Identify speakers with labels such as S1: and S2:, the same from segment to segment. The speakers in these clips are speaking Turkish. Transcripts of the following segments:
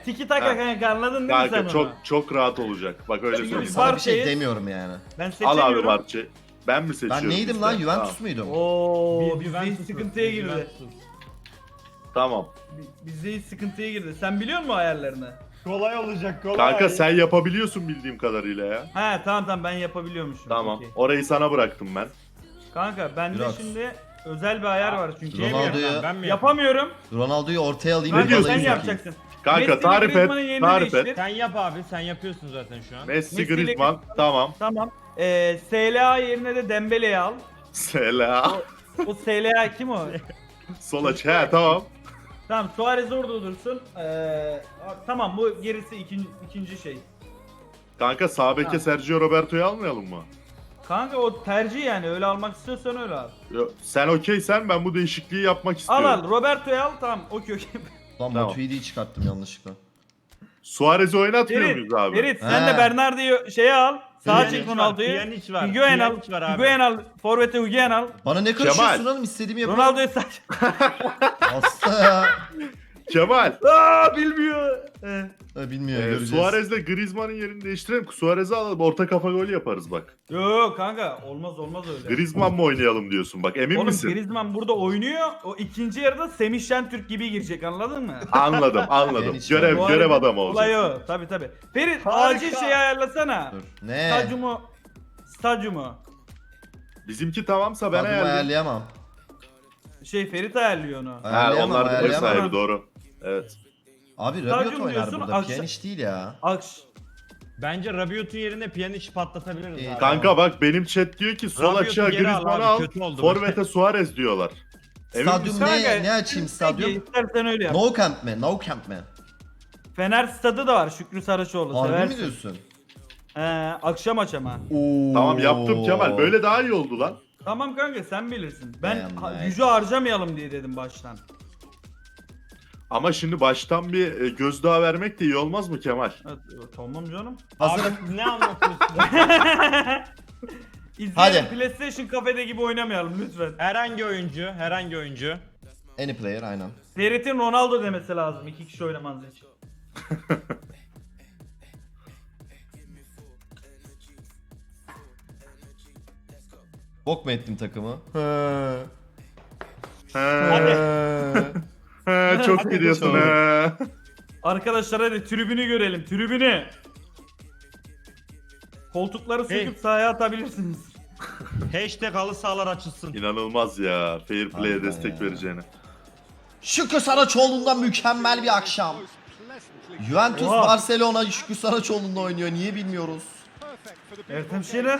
S1: Tiki taka
S2: Ha.
S1: kanka, anladın değil mi sen
S2: Kanka
S1: onu?
S2: çok rahat olacak. Bak öyle
S1: Çünkü
S2: söyleyeyim.
S1: biz
S3: Sana bir şey
S1: Barça'yız.
S3: demiyorum yani.
S1: Ben
S2: Al
S1: seçemiyorum.
S2: abi Barçı. Ben mi seçiyorum?
S3: Ben neydim
S2: işte?
S3: lan? Juventus
S2: Tamam.
S3: muydum?
S1: Oo,
S4: Bir
S1: bizde hiç
S4: Juventus'uz,
S1: sıkıntıya
S4: bir
S1: girdi.
S4: Juventus'uz.
S2: Tamam.
S1: Bizde hiç sıkıntıya girdi. Sen biliyor musun ayarlarını?
S4: Kolay olacak kolay.
S2: Kanka sen yapabiliyorsun bildiğim kadarıyla ya.
S1: He tamam ben yapabiliyormuşum.
S2: Tamam.
S1: Okey.
S2: Orayı sana bıraktım ben.
S1: Kanka bende
S3: Biraz.
S1: şimdi özel bir ayar var çünkü.
S3: Ronaldo'yu-
S4: Ben mi yapayım?
S1: Yapamıyorum.
S3: Ronaldo'yu ortaya alayım.
S1: Kanka
S2: diyorsun?
S1: sen
S3: vallahi
S1: yapacaksın.
S2: Kanka
S1: Messi ile
S2: tarif et.
S1: Griezmann'ın yerini
S2: Tarif
S1: değiştir.
S2: et.
S4: Sen yap abi, sen yapıyorsun zaten şu an.
S2: Messi,
S1: Messi ile-
S2: Griezmann. Tamam.
S1: Tamam. SLA yerine de Dembele'yi al.
S2: Selam.
S1: O SLA kim o?
S2: Sol aç. He tamam.
S1: Tamam, Suarez orada dursun. Tamam, bu gerisi ikinci şey.
S2: Kanka sağ beke
S1: Ha.
S2: Sergio Roberto'yu almayalım mı?
S1: Kanka o tercih yani, öyle almak istiyorsan öyle al.
S2: Sen okeysen ben bu değişikliği yapmak
S1: Al
S2: istiyorum.
S1: al, Roberto'yu al, tamam, okey.
S3: Lan
S2: Tamam.
S3: Matuidi'yi çıkarttım yanlışlıkla.
S2: Suarez'i oynatmıyor
S1: Ferit,
S2: muyuz abi?
S1: Ferit sen
S3: He.
S1: de Bernardo'yu şeye al. Sağa
S4: Pjanic
S1: çek
S4: var,
S1: Ronaldo'yu.
S4: Pjanic var,
S1: Higuain al.
S4: Pjanic var abi.
S1: Higuain al. Forvet'e Higuain al.
S3: Bana ne karışıyorsun oğlum, istediğimi yapıyorum.
S1: Ronaldo'yu sağ.
S3: Hasta ya.
S2: Kemal.
S1: Aa, bilmiyor.
S3: Bilmiyor, göreceğiz.
S2: Suarez'le Griezmann'ın yerini değiştirelim. Suarez'i alalım. Orta kafa golü yaparız bak.
S1: Yok kanka, olmaz öyle.
S2: Griezmann mı oynayalım diyorsun bak. Emin
S1: Oğlum
S2: misin?
S1: Griezmann burada oynuyor. O ikinci yarıda Semih Şentürk gibi girecek, anladın mı?
S2: Anladım.
S3: Ben hiç
S2: Görev
S1: Bu
S2: görev
S1: arada
S2: adamı
S1: olay
S2: olacak.
S1: o. Tabii. Ferit
S4: Harika.
S1: acil şeyi ayarlasana.
S3: Dur. Ne?
S1: Stadyumu.
S2: Bizimki tamamsa ben
S3: Adımı
S2: ayarlayayım.
S3: ayarlayamam.
S1: Ferit ayarlıyor onu.
S2: Ha,
S3: Ayarlayamam,
S2: onlar da ev
S3: ayarlayamam.
S2: sahibi doğru. Evet.
S3: Abi
S1: Stadyum
S3: Rabiot oynar
S1: diyorsun,
S3: burada.
S1: akşam-
S3: Pjanic değil ya.
S4: Bence Rabiot'un yerine Pjanic'i patlatabiliriz abi.
S2: Kanka bak benim chat diyor ki sol
S4: Rabiot'u
S2: açığa
S4: geri al
S2: Griezmann'ı
S4: abi,
S2: al.
S4: kötü oldu.
S2: Forvet'e Suarez diyorlar. Emin
S3: Stadyum
S2: misin?
S3: ne açayım stadyum?
S1: Peki, İstersen öyle yap.
S3: No Camp mi? No Camp mi?
S1: Fener stadı da var, Şükrü Saraçoğlu.
S3: Harbi mi
S1: Seversin.
S3: diyorsun?
S1: Akşam aç ama.
S3: Oo.
S2: Tamam yaptım Kemal. Böyle daha iyi oldu lan.
S1: Tamam kanka, sen bilirsin. Ben
S3: Beğendim.
S1: gücü harcamayalım diye dedim baştan.
S2: Ama şimdi baştan bir gözdağı vermek de iyi olmaz mı Kemal?
S1: Evet, tamam canım.
S3: Hazırım.
S4: Abi ne anlatıyorsun?
S1: İzleyelim,
S3: Hadi.
S1: PlayStation kafede gibi oynamayalım lütfen.
S4: herhangi oyuncu.
S3: Any player aynen.
S1: Ferit'in Ronaldo demesi lazım iki kişi oynamanız için.
S3: Bok mu ettim takımı?
S4: Hadi.
S2: Çok gidiyorsun he.
S1: Arkadaşlar hadi tribünü görelim, tribünü. Koltukları söküp sahaya atabilirsiniz.
S4: Hashtag halı sahalar açılsın.
S2: İnanılmaz ya. Fair play'e
S3: Harbiden
S2: destek
S3: ya.
S2: vereceğini.
S3: Şükrü Saraçoğlu'ndan mükemmel bir akşam. Juventus
S1: Oha.
S3: Barcelona Şükrü Saraçoğlu'nda oynuyor. Niye bilmiyoruz.
S1: Ertem Şener.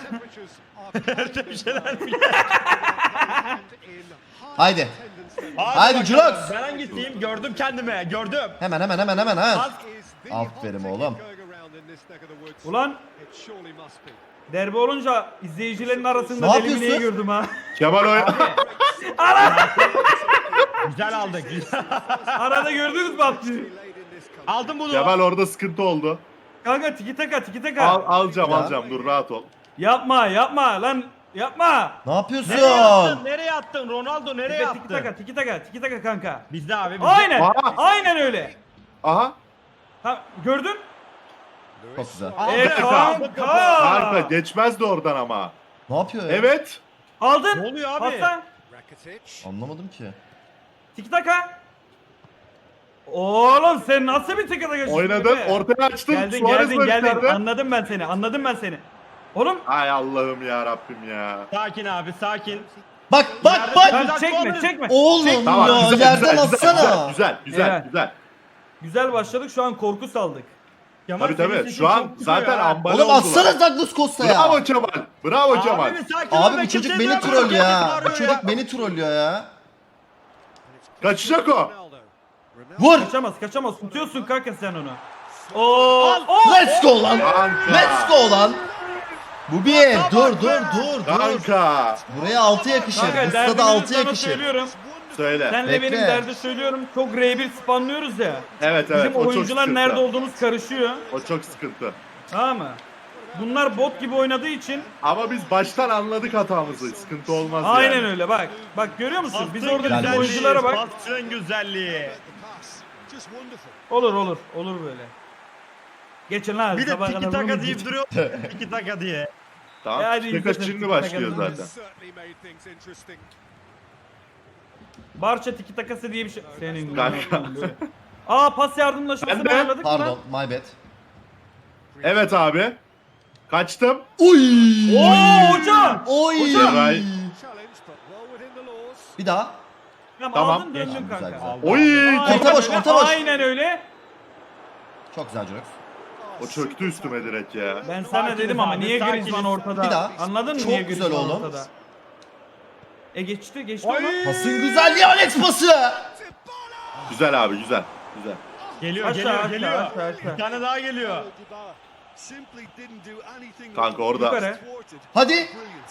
S3: Haydi. Haydi
S4: bakalım.
S3: Jurox.
S4: Ben hangisiyim? Gördüm kendime. Gördüm.
S3: Hemen ha. Aferin oğlum.
S1: Ulan derbi olunca izleyicilerin arasında
S3: Ne
S1: deli
S3: yapıyorsun?
S1: Mine'yi gördüm ha.
S2: Kemal oy...
S4: Güzel aldık.
S1: Arada gördünüz mü Abdü?
S4: Aldım bunu.
S2: Kemal orada sıkıntı oldu.
S1: Kanka tiki taka.
S2: Alacağım
S3: Ya.
S2: dur rahat ol.
S1: Yapma lan yapma.
S3: Ne yapıyorsun?
S4: Nereye attın? Ronaldo nereye attı?
S1: Tiki taka kanka.
S4: Bizde abi bizde.
S1: Aynen.
S2: Aa.
S1: Aynen öyle.
S2: Aha.
S1: Ha, gördün?
S3: Çok güzel.
S4: Aldık.
S2: Kanka geçmezdi oradan ama.
S3: Ne yapıyor ya?
S2: Evet.
S1: Aldın.
S4: Ne oluyor abi?
S1: Pasta.
S3: Anlamadım ki.
S1: Tiki taka. Oğlum sen nasıl bir tiki taka?
S2: Oynadın. Ortaya açtın.
S1: Geldin
S2: Suarez var içeride.
S1: Anladım ben seni. Oğlum
S2: Ay Allah'ım ya Rabbim ya.
S4: Sakin abi sakin.
S3: Bak.
S1: kanka çekme.
S3: Oğlum
S2: Tamam
S3: ya
S2: güzel
S3: yerden atsana.
S2: güzel.
S1: Güzel başladık, şu an korku saldık.
S4: Kemal
S2: Tabii
S4: senin
S2: tabii
S4: sesin
S2: şu an
S4: çok çıkıyor
S2: zaten
S4: ya.
S2: ambale
S3: Oğlum
S2: oldular.
S3: atsana Douglas Costa'ya.
S2: Bravo Kemal. Bravo Kemal.
S4: Abi bir sakin ol
S3: Abi
S4: be,
S3: bu çocuk
S4: kimse
S3: beni
S4: duyamıyor,
S3: troll ya.
S4: kendisi
S3: Bu
S4: bağırıyor
S3: çocuk
S4: ya.
S3: beni trollüyor ya.
S2: Kaçacak o.
S3: Vur.
S1: Kaçamaz. Tutuyorsun kanka sen onu. Oo!
S3: Let's go lan.
S2: Kanka.
S3: Let's go lan. Bu bir. Dur.
S2: Kanka.
S3: Buraya 6 yakışır.
S1: Kanka
S3: Bu stada
S1: derdimi
S3: 6
S1: sana
S3: yakışır.
S1: söylüyorum.
S2: Söyle.
S1: Senle
S3: Bekle.
S1: benim derdi söylüyorum. Çok R1 spamlıyoruz ya.
S2: Evet
S1: Bizim
S2: o çok
S1: oyuncular
S2: sıkıntı.
S1: nerede olduğumuz karışıyor.
S2: O çok sıkıntı.
S1: Tamam mı? Bunlar bot gibi oynadığı için
S2: Ama biz baştan anladık hatamızı. Sıkıntı olmaz
S1: aynen
S2: yani.
S1: öyle bak. Bak görüyor musun? Biz
S4: Pastın
S1: orada bizim
S3: güzelliği,
S1: oyunculara bak.
S4: Pastın güzelliği.
S1: Olur olur. Olur böyle. Geçin lan.
S4: Bir de
S1: sabaha
S4: tiki
S1: kadar
S4: taka
S1: bunu
S4: deyip
S1: geç.
S4: duruyor. Tiki taka diye.
S2: Tamam.
S1: hadi
S2: Tiki taka
S1: izledim,
S2: şimdi
S1: tiki
S2: başlıyor
S1: taka
S2: zaten.
S1: Barça tiki takası diye bir şey. Senin
S2: Kanka.
S1: böyle. Aa pas yardımlaşmasını
S2: Ben de.
S1: ayarladık mı?
S3: Pardon, my bad.
S2: Evet abi. Kaçtım.
S3: Uy!
S1: Oo hocam.
S3: Oy!
S2: Geray.
S3: Bir daha.
S2: Tamam.
S1: Aldın döndün
S3: Güzel,
S1: kanka.
S3: güzel.
S2: Oy!
S1: Aynen
S3: Orta boş,
S1: öyle,
S3: orta boş.
S1: Aynen öyle.
S3: Çok güzel Jurek.
S2: O çöktü üstüme direkt ya.
S1: Ben sana
S4: Sakiniz
S1: dedim ama
S4: abi,
S1: niye
S4: sakiniz.
S1: Griezmann ortada?
S3: Bir daha.
S1: Anladın mı
S3: Çok
S1: niye
S3: güzel
S1: Griezmann
S3: oğlum.
S1: ortada? Geçti
S4: Oy!
S1: onu.
S3: Güzelliği Alex pası.
S2: Güzel abi güzel. Güzel.
S4: Geliyor
S1: Aşağı,
S4: geliyor
S1: aşağı,
S4: geliyor.
S1: aşağı, aşağı.
S4: Bir tane daha geliyor.
S2: Kanka orada.
S1: Yukarı.
S3: Hadi.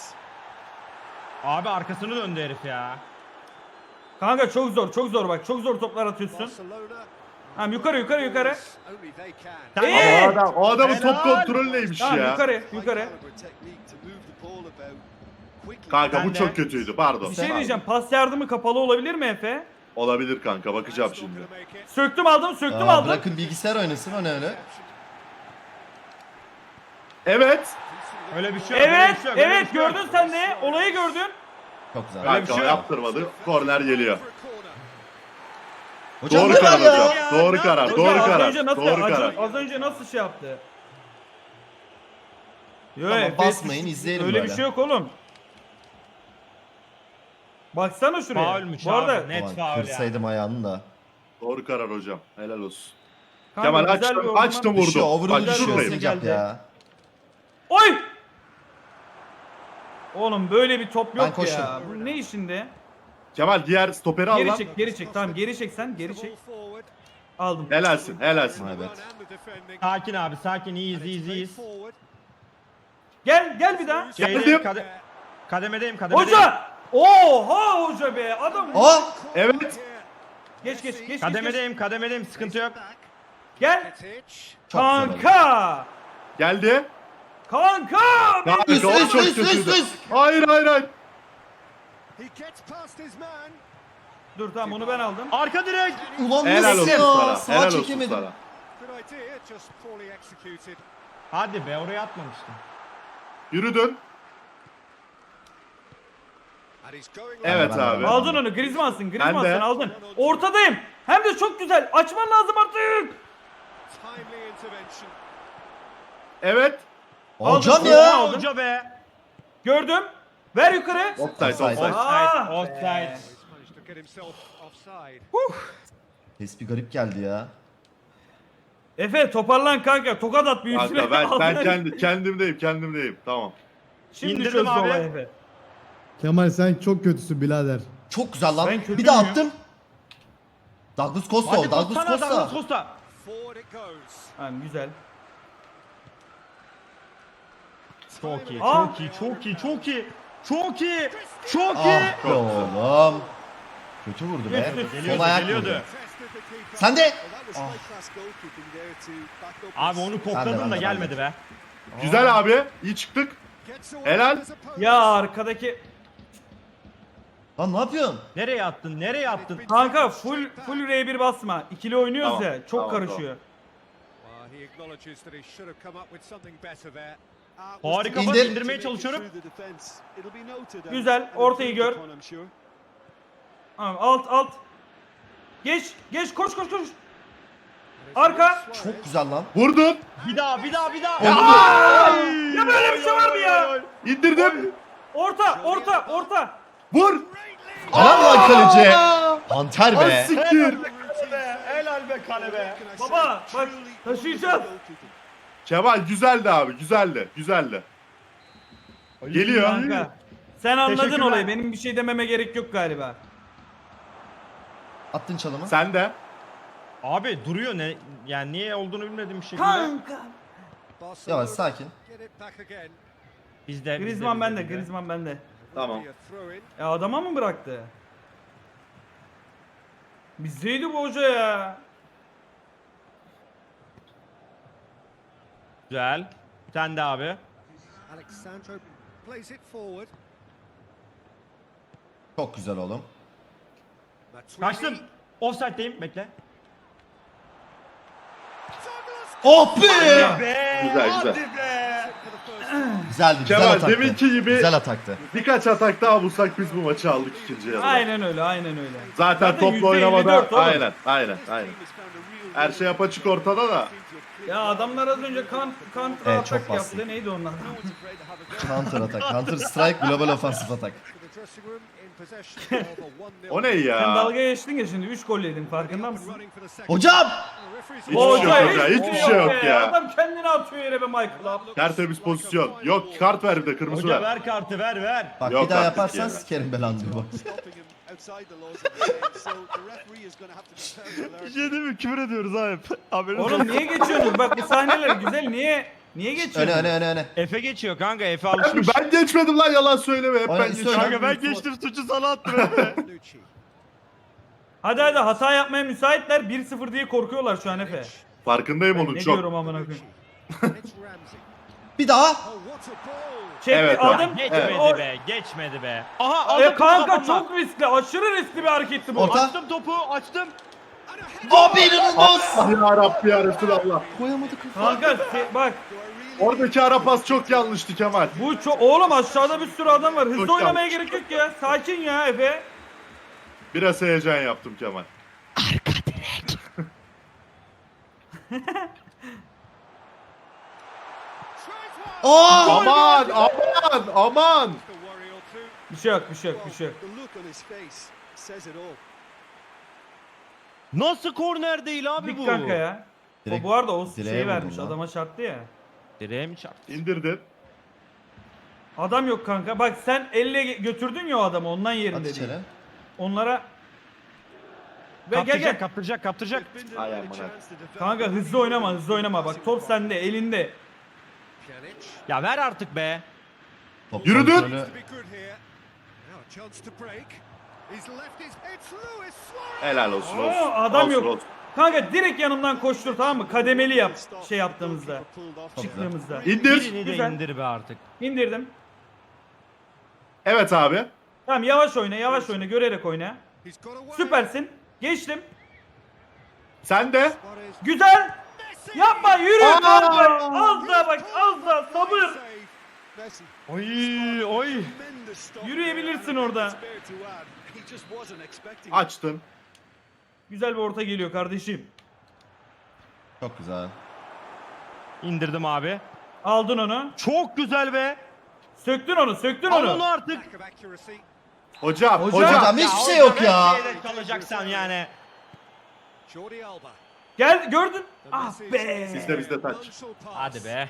S4: Abi arkasını döndü herif ya.
S1: Kanka çok zor, çok zor bak. Çok zor toplar atıyorsun. Tamam yukarı yukarı yukarı.
S4: Sen
S1: Ee!
S2: O adamın top
S4: Helal.
S2: kontrolü neymiş
S1: Tamam
S2: ya?
S1: yukarı yukarı.
S2: Kanka
S4: Ben
S2: bu
S4: de.
S2: çok kötüydü pardon.
S1: Bir şey
S2: Pardon.
S1: diyeceğim. Pas yardımı kapalı olabilir mi Efe?
S2: Olabilir kanka bakacağım şimdi.
S1: Söktüm aldım, söktüm
S3: Aa,
S1: aldım.
S3: bırakın bilgisayar oynasın, o ne öyle?
S2: Evet.
S4: Öyle bir şey yok. öyle
S1: Evet,
S4: bir şey yok, öyle
S1: evet
S4: bir şey yok.
S1: gördün sen de. Olayı gördün.
S3: Çok güzel.
S4: Öyle bir
S2: Kanka
S4: şey yok.
S2: yaptırmadı. Korner geliyor.
S3: Hocam
S2: Doğru
S3: ne var
S2: karar
S3: ya?
S2: hocam. Doğru karar.
S1: Hoca,
S2: Doğru
S1: az
S2: karar.
S1: önce nasıl,
S2: Doğru karar.
S1: az önce nasıl şey yaptı? Yo,
S3: Tamam,
S1: Efe,
S3: basmayın, izleyelim
S1: öyle
S3: böyle.
S1: bir şey yok oğlum. Baksana şuraya.
S4: Faulmüş
S1: Bu arada
S4: abi. Net
S3: Ulan,
S4: faul ya.
S3: kırsaydım ayağını da.
S2: Doğru karar hocam. Helal olsun.
S1: kanka,
S2: Kemal
S1: güzel bir
S2: açtım,
S1: orman-
S2: açtım
S3: Bir şey
S2: vurdum.
S3: overall
S2: Bak
S3: bir şey
S2: şuradayım.
S3: olmayacak ya.
S1: Oy! Oğlum böyle bir top
S3: Ben
S1: yok
S3: koştum.
S1: ya. Bu ne işinde?
S2: Kemal diğer stoperi al
S1: Geri
S2: lan.
S1: çek, geri çek. Tamam geri çek sen, geri çek. Aldım.
S2: Helalsin, helalsin.
S3: My bad.
S4: Sakin abi sakin iyiyiz iyiyiz iyiyiz.
S1: Gel, gel bir daha.
S2: Geldim.
S4: Şeydeyim, kademedeyim kademedeyim.
S1: Hoca! Oha hoca be. Adam.
S3: Aa!
S2: Evet.
S1: Geç geç geç. geç.
S4: Kademedeyim kademedeyim sıkıntı yok.
S1: Gel.
S3: Çok güzel oldu.
S1: Kanka.
S2: Geldi.
S1: Kanka.
S2: Kanka
S3: Üst,
S2: o
S3: üst,
S2: çok
S3: üst,
S2: kötüydü.
S3: üst, üst.
S2: Hayır hayır hayır.
S1: Dur tamam onu ben aldım.
S4: Arka direk.
S3: Ulan
S2: Helal
S3: nasıl
S2: olsun
S3: ya?
S2: sana.
S3: Sağa
S2: Helal olsun
S3: çekemedim.
S2: sana.
S4: Hadi be oraya atmamıştım.
S2: Yürüdün. Evet
S3: Ben de,
S2: abi.
S1: Aldın onu. Griezmann'sın.
S2: Ben
S1: Griezmann
S2: de.
S1: sen aldın. Ortadayım. Hem de çok güzel. Açman lazım artık.
S2: Evet.
S3: Hocam
S1: Aldım.
S3: ya.
S1: Aldım.
S4: Hoca be.
S1: Gördüm. Ver yukarı.
S2: Offside
S3: Offside.
S2: offside.
S1: Ah
S4: Offside.
S3: Ses bir garip geldi ya.
S1: Efe toparlan kanka. Tokat at bir üstüne.
S2: Kanka ben
S1: Aldın.
S2: kendimdeyim. Tamam.
S1: Şimdi
S4: İndirdim
S1: çözdü
S4: abi.
S1: olay Efe.
S5: Kemal sen çok kötüsün birader.
S3: Çok güzel lan.
S1: Ben kötü
S3: Bir daha
S1: müyüm?
S3: attım. Douglas Costa
S4: Hadi
S3: o. Douglas
S4: Costa. Douglas
S3: Costa.
S4: Costa.
S1: Tamam güzel.
S4: Çok iyi,
S1: Aa.
S4: çok iyi, çok iyi, çok iyi. Çok iyi. Çok iyi.
S3: Ah be
S2: Çok
S3: oğlum. Kötü vurdu be.
S4: Geliyordu,
S3: Sol ayak
S4: geliyordu.
S3: vurdu. Sen de.
S4: Abi onu kokladım
S3: Ben
S4: da
S3: de.
S4: gelmedi be.
S2: Güzel abi. İyi çıktık. Helal.
S1: Ya arkadaki
S3: Lan ne yapıyorsun?
S4: Nereye attın? Nereye attın?
S1: kanka full R1 basma. İkili oynuyoruz
S2: Tamam,
S1: ya. Çok
S2: tamam,
S1: karışıyor.
S4: Harika
S3: İndir.
S4: pas indirmeye çalışıyorum.
S1: Güzel, ortayı gör. Tamam alt. Geç koş. Arka.
S3: Çok güzel lan.
S2: Vurdun.
S4: Bir daha.
S1: Ya böyle bir şey var mı ya?
S2: İndirdim.
S1: Orta.
S2: Vur.
S3: Helal lan kaleci. Panter
S2: Ay
S3: be.
S2: siktir.
S4: Helal be kale be.
S1: Baba bak taşıyacağız.
S2: Kemal güzeldi abi. Güzeldi. Geliyor.
S1: Kanka. Sen anladın
S4: Teşekkürler.
S1: olayı. Benim bir şey dememe gerek yok galiba.
S3: Attın çalımı.
S2: Sen de.
S4: Abi duruyor ne? Yani niye olduğunu bilmediğim bir şekilde.
S1: Kanka.
S3: Yavaş sakin.
S4: Bizde.
S1: Griezmann bende.
S2: Tamam.
S1: Ya adama mı bıraktı? Bizdeydi bu hoca ya.
S4: Güzel. Bir tane de abi.
S3: Çok güzel oğlum.
S4: Kaçtım. Offside'deyim. Bekle.
S3: Oh be!
S4: Be,
S2: Güzel,
S4: hadi
S2: güzel.
S4: be.
S3: Güzeldi, güzel
S2: Kemal
S3: ataktı.
S2: deminki gibi
S3: Güzel ataktı.
S2: birkaç atak daha bulsak biz bu maçı aldık ikinci yarıda.
S1: Aynen öyle, aynen öyle.
S2: Zaten topla
S1: %54
S2: oynamada
S1: oğlum.
S2: aynen. Her şey apaçık ortada da.
S1: Ya adamlar az önce counter
S3: Evet, çok
S1: atak
S3: basit.
S1: yaptı. Neydi onlar?
S3: Counter atak. Counter strike, global offensive atak.
S2: O ne
S1: Sen
S2: ya?
S1: dalga geçtin ya şimdi 3 gol yedin farkında mısın?
S3: Hocam!
S2: Hiçbir şey yok hocam. Hiçbir şey yok
S1: be.
S2: ya.
S1: Adam kendini atıyor yere be Michael.
S2: Tertemiz pozisyon. Yok kart ver bir de kırmızı
S4: Hoca
S2: ver.
S4: ver kartı ver.
S3: Bak
S2: Yok
S3: bir daha
S2: artık
S3: yaparsan
S2: ya.
S3: sikerim belanı diyor bak.
S4: Bir şey değil mi? Küfür ediyoruz abi. Haberiniz
S1: Oğlum niye geçiyorsunuz? Bak bu sahneler güzel. Niye geçiyorsunuz?
S3: Öne.
S4: Efe geçiyor kanka. Efe alışmış.
S2: Ben geçmedim lan yalan söyleme. Hep
S3: Aynen,
S2: ben
S3: söyle.
S2: geçiyorum.
S4: Kanka ben geçtim suçu sana attım Efe.
S1: Hadi hata yapmaya müsaitler. 1-0 diye korkuyorlar şu an Efe.
S2: Farkındayım
S1: Ben
S2: onun
S1: ne
S2: çok.
S1: diyorum amına koyayım.
S3: Bir daha.
S1: Çek
S2: Evet,
S1: bir adım.
S4: Geçmedi
S1: O-
S4: be. Geçmedi be. Aha aldım topu
S1: kanka
S4: kafamla.
S1: çok riskli. Aşırı riskli bir hareketti bu.
S3: Orta.
S4: Açtım topu açtım.
S3: Abi inanılmaz.
S2: Ah ya Rabbi ya Resulallah.
S3: Koyamadık.
S1: Kanka bak
S2: Oradaki ara pas çok yanlıştı Kemal.
S1: bu çok oğlum aşağıda bir sürü adam var. Hızlı
S2: Çok
S1: oynamaya gerek yok ya. Sakin ya Efe.
S2: Biraz heyecan yaptım Kemal.
S3: Aa!
S2: Aman.
S1: Bir şey yok.
S4: Nasıl korner değil abi
S1: Dik
S4: bu?
S1: kanka ya.
S3: Direkt
S1: o bu arada o
S3: direğe
S1: şeyi
S3: vurdun
S1: vermiş.
S3: lan.
S1: Adama çarptı ya.
S4: Direğe mi çarptı?
S2: İndirdin.
S1: Adam yok kanka. Bak sen elle götürdün ya o adamı ondan
S3: At
S1: yerinde değil.
S3: içeri.
S1: Onlara ve gel.
S4: Kaptıracak.
S2: Ay aman.
S1: Kanka hızlı oynama. Bak top sende, elinde.
S4: Ya ver artık be.
S3: Top
S2: Yürüdün.
S3: kontrolü.
S2: Helal olsun
S1: Oo,
S2: olsun.
S1: adam
S2: Olsun,
S1: yok.
S2: olsun.
S1: Kanka direkt yanımdan koştur tamam mı? Kademeli yap şey yaptığımızda. Çıktığımızda.
S2: İndir.
S4: Birini de
S1: Güzel.
S4: indir be artık.
S1: İndirdim.
S2: Evet abi.
S1: Tamam yavaş oyna, görerek oyna. Süpersin. Geçtim.
S2: Sen de.
S1: Güzel. Yapma yürü
S2: Aa!
S1: kanka. Az da sabır.
S4: Oy.
S1: Yürüyebilirsin orada.
S2: Açtın.
S1: Güzel bir orta geliyor kardeşim.
S3: Çok güzel.
S4: İndirdim abi.
S1: Aldın onu.
S4: Çok güzel be.
S1: Söktün
S4: Al onu
S1: onu.
S4: artık.
S2: Hocam.
S3: Hocam hiçbir şey yok ya.
S4: Neyle kalacaksan yani.
S1: Gel gördün. Ah be.
S2: Bizde taç.
S4: Hadi be.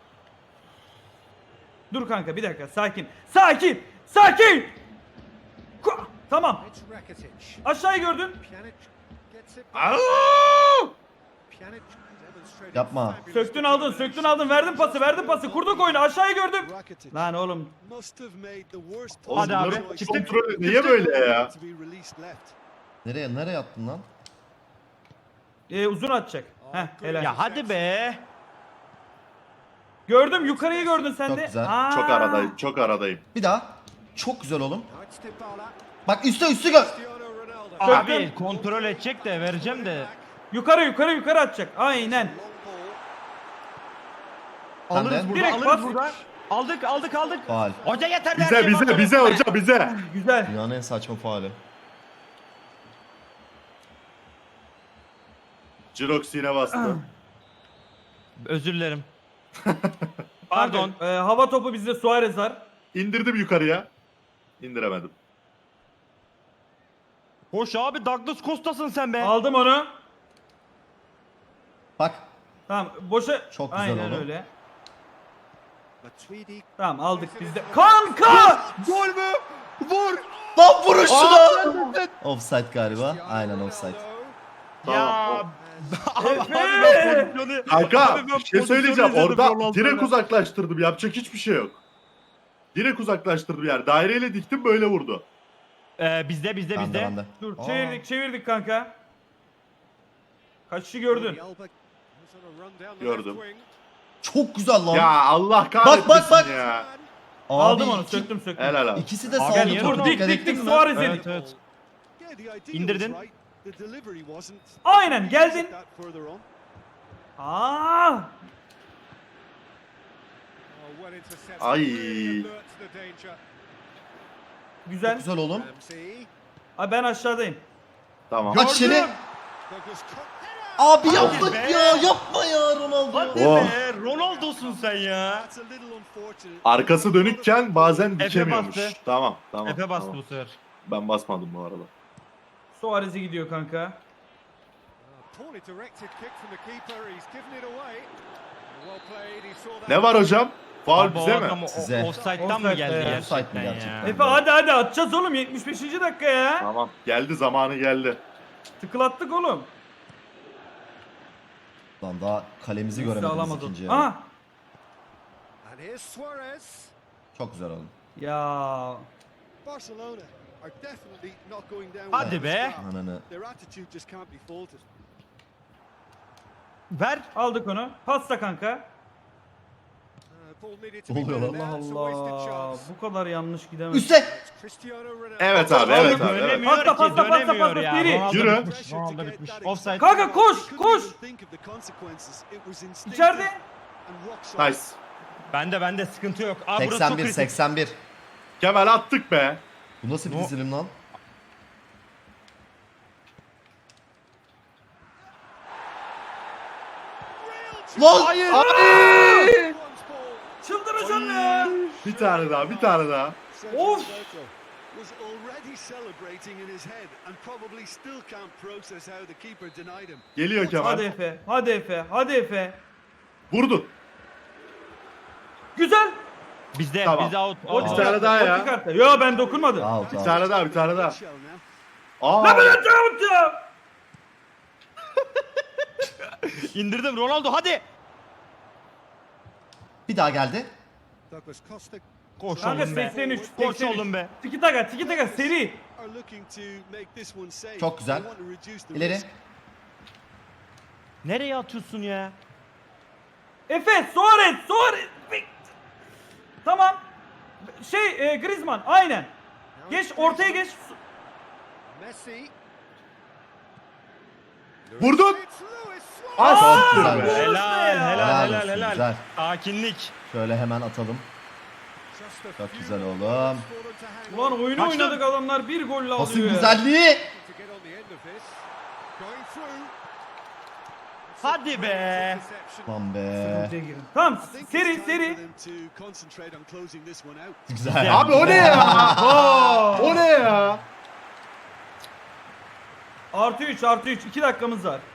S1: Dur kanka bir dakika sakin. Tamam. Aşağıyı gördün.
S2: Aa!
S3: Yapma.
S1: Söktün aldın. Verdin pası. Kurduk oyunu. Aşağıyı gördüm. Lan oğlum.
S2: Oğlum
S4: Hadi abi,
S2: bunların
S4: çıktık.
S2: kontrolü niye böyle ya?
S3: Nereye attın lan?
S1: Uzun atacak. Heh helal.
S4: Ya hadi be.
S1: Gördüm yukarıyı gördün sen
S3: Çok
S1: de.
S3: güzel.
S1: Aa.
S2: Çok aradayım.
S3: Bir daha. Çok güzel oğlum. Bak üstü gör.
S4: Abi kontrol edecek de vereceğim de.
S1: Yukarı atacak. Aynen.
S3: Sen de.
S1: Direkt
S4: Alırız
S1: bas.
S4: burada. Aldık.
S3: Faal.
S4: Hoca yeter der
S2: Bize hocam bize.
S1: Güzel.
S3: Dünyanın en saçma faali.
S2: Jirox yine bastı.
S4: Özür dilerim. Pardon.
S1: Hava topu bizde Suarez var.
S2: İndirdim yukarıya. İndiremedim.
S4: Hoş abi Douglas Costa'sın sen be.
S1: Aldım onu.
S3: Bak.
S1: Tamam boşa.
S3: Çok güzel
S1: Aynen
S3: oldu.
S1: öyle. Tamam aldık bizde. Kanka!
S4: Gol mü? Vur.
S3: Lan vurun şunu. Offside galiba. Aynen offside.
S4: Ya.
S1: Efe!
S2: Kanka bir şey söyleyeceğim. Orada direkt
S4: direkt
S2: uzaklaştırdım. Yapacak hiçbir şey yok. Direkt uzaklaştırdım yani. Daireyle diktim böyle vurdu.
S4: Bizde.
S3: Bende.
S1: Dur
S3: Aa.
S1: çevirdik kanka. Kaçışı gördün.
S2: Gördüm.
S3: Çok güzel lan.
S2: Ya Allah kahretmesin
S3: bak.
S2: ya.
S3: Abi,
S1: Aldım onu
S3: iki-
S1: söktüm.
S2: Helal abi.
S3: İkisi de
S4: Abi
S3: sağda
S4: niye
S3: topu.
S4: vurdun?
S3: Dikkat
S1: Dik
S3: ettin mi?
S1: Suarez
S4: Evet.
S1: dedik.
S4: İndirdin.
S1: Aynen geldin. Aa!
S2: Ay.
S1: Güzel.
S3: Güzel oğlum.
S1: Abi ben aşağıdayım.
S2: Tamam.
S3: Aç içeri. Abi yapma
S4: be.
S3: ya. Yapma ya Ronaldo.
S4: Hadi
S2: Oh.
S4: be Ronaldo'sun sen ya.
S2: Arkası dönükken bazen
S4: Efe
S2: dikemiyormuş.
S4: bastı.
S2: Tamam tamam.
S4: Efe bastı
S2: tamam.
S4: bu sefer.
S2: Ben basmadım bu arada.
S1: Suarez'e gidiyor kanka.
S2: Ne var hocam? Faul
S4: Abi o
S2: bize mi?
S4: adam
S3: Size.
S4: Offside'dan mı
S1: Offside
S4: geldi
S1: be.
S3: Offside mi
S4: gerçekten
S3: gerçekten?
S4: ya?
S1: Efe hadi atacağız oğlum 75. dakika ya.
S2: Tamam. Geldi zamanı geldi.
S1: Tıklattık oğlum.
S3: Lan daha kalemizi
S1: Nasıl
S3: göremediniz
S1: alamadı?
S3: ikinci yarı.
S1: Aha.
S3: Çok güzel oldu.
S1: Ya.
S4: Hadi be.
S3: Ananı.
S4: Ver.
S1: Aldık onu. Pasta kanka.
S3: Ne oluyor lan?
S1: Allah Allah. Bu kadar yanlış gidemez.
S3: Üste.
S2: Evet abi evet abi. Evet.
S4: Dönemiyor
S1: Pasta,
S4: ki
S1: pasta, pasta,
S4: dönemiyor
S1: pasta,
S4: ya.
S1: Siri.
S4: Ronaldo
S2: Yürü.
S4: bitmiş. Ronaldo bitmiş. Offside.
S1: Kanka koş koş. İçeride.
S2: Nice.
S4: Bende sıkıntı yok. Aa, burası çok
S3: 81
S4: kritik.
S3: 81.
S2: Kemal attık be.
S3: Bu nasıl bir dizilim lan? Lan!
S4: Hayır.
S1: Çıldıracağım ya.
S2: Bir tane daha bir tane daha.
S1: Of.
S6: Was already celebrating in his head and probably still can't process how the keeper denied him.
S2: Geliyor Kemal.
S1: Hadi Efe. Hadi Efe. Hadi Efe.
S2: Vurdu.
S1: Güzel.
S4: Bizde
S2: Tamam.
S4: bizde out.
S1: O
S2: Bir
S4: out.
S2: tane daha ya.
S1: kartı. Yo ben dokunmadım.
S3: Out
S2: Bir
S3: out.
S2: tane daha bir tane daha.
S6: Shell now.
S2: Aa.
S1: Ne yapacağım ya?
S4: İndirdim Ronaldo hadi.
S3: Bir daha geldi.
S6: Douglas Costa
S4: Koş
S1: Kanka
S4: oğlum be.
S1: 83.
S4: Koş
S1: 83.
S4: oğlum be.
S1: Tiki taka seri.
S6: are looking to make this one safe.
S3: Çok güzel.
S6: They want to reduce the
S3: İleri.
S6: risk.
S4: Nereye atıyorsun ya?
S1: Efe Suarez. Tamam. Griezmann aynen. Geç ortaya geç.
S6: Messi.
S2: Vurdun.
S6: It's Luis Suarez.
S2: Ah,
S3: Çok güzel
S2: be.
S3: be.
S4: Helal
S1: ya.
S4: helal
S3: Helal
S4: helal
S3: olsun,
S4: helal.
S3: güzel.
S4: Sakinlik.
S3: Şöyle hemen atalım.
S6: Just a
S3: Çok
S6: few
S3: güzel
S6: moments
S3: oğlum.
S6: for them to hang
S1: Ulan
S6: on.
S1: oyunu
S4: Kaçtı.
S1: oynadık adamlar bir golle
S3: Pasın
S1: alıyor ya.
S3: güzelliği.
S6: To get on the end of this. Going through.
S4: Hadi be.
S6: Interception.
S3: Lan be.
S1: Ortaya girin. Tamam
S6: I think
S1: seri
S6: it's time
S1: seri.
S6: for them to concentrate on closing this one out.
S3: Güzel.
S2: Abi o ne ya?
S1: Oo.
S2: O ne ya?
S1: +3 2 dakikamız var.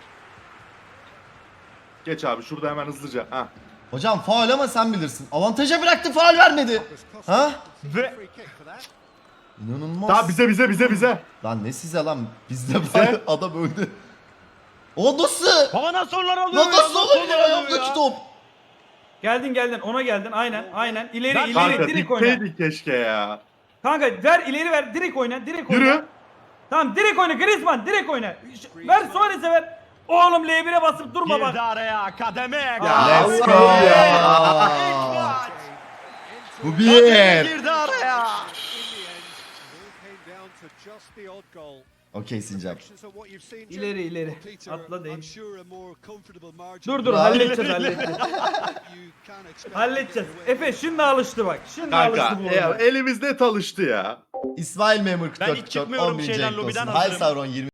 S2: Geç abi şurada hemen hızlıca. Ha.
S3: Hocam faul ama sen bilirsin. Avantaja bıraktı faul vermedi.
S6: Douglas Costa
S3: Ha?
S4: Ve
S6: free kick for that.
S3: İnanılmaz.
S2: Tamam bize.
S3: Lan ne size lan? Bizde var adam öldü. O nasıl?
S4: baba nasıl onlar alıyor
S3: Lan
S4: ya?
S3: nasıl olabilir
S4: onlar alıyor
S3: ayağımdaki
S4: ya?
S3: top?
S1: Geldin ona geldin aynen. İleri
S4: Lan
S1: ileri
S2: Kanka
S1: direkt oyna.
S2: dikteydik keşke ya.
S1: Kanka ver ileri ver direkt oyna.
S2: Yürü.
S1: Tamam direkt oyna Griezmann direkt oyna. Ver Suarez'e ver. Oğlum L1'e basıp durma
S4: Girdi
S1: bak.
S4: araya akademi.
S1: Ya,
S3: Let's go
S2: Allah
S3: ya. Bu bir.
S4: Girdi araya.
S6: In the end, it all came down to just the odd goal.
S3: Okey Sincap.
S6: Reflections of what you've seen, Jim.
S1: İleri.
S6: Peter,
S1: Atla değil.
S6: I'm sure a more comfortable margin
S1: Dur
S3: Bravo.
S1: halledeceğiz.
S6: you can expect.
S1: Halledeceğiz. Efe şimdi alıştı bak. Şimdi
S2: Kanka
S1: alıştı bu oyuna.
S2: elimiz net alıştı ya.
S3: İsmail Memur
S4: Ben
S3: 44
S4: hiç çıkmıyorum
S3: 10.000
S4: şeyden,
S3: cenk
S4: lobiden
S3: olsun.
S4: hazırım.
S3: Hay Sauron 20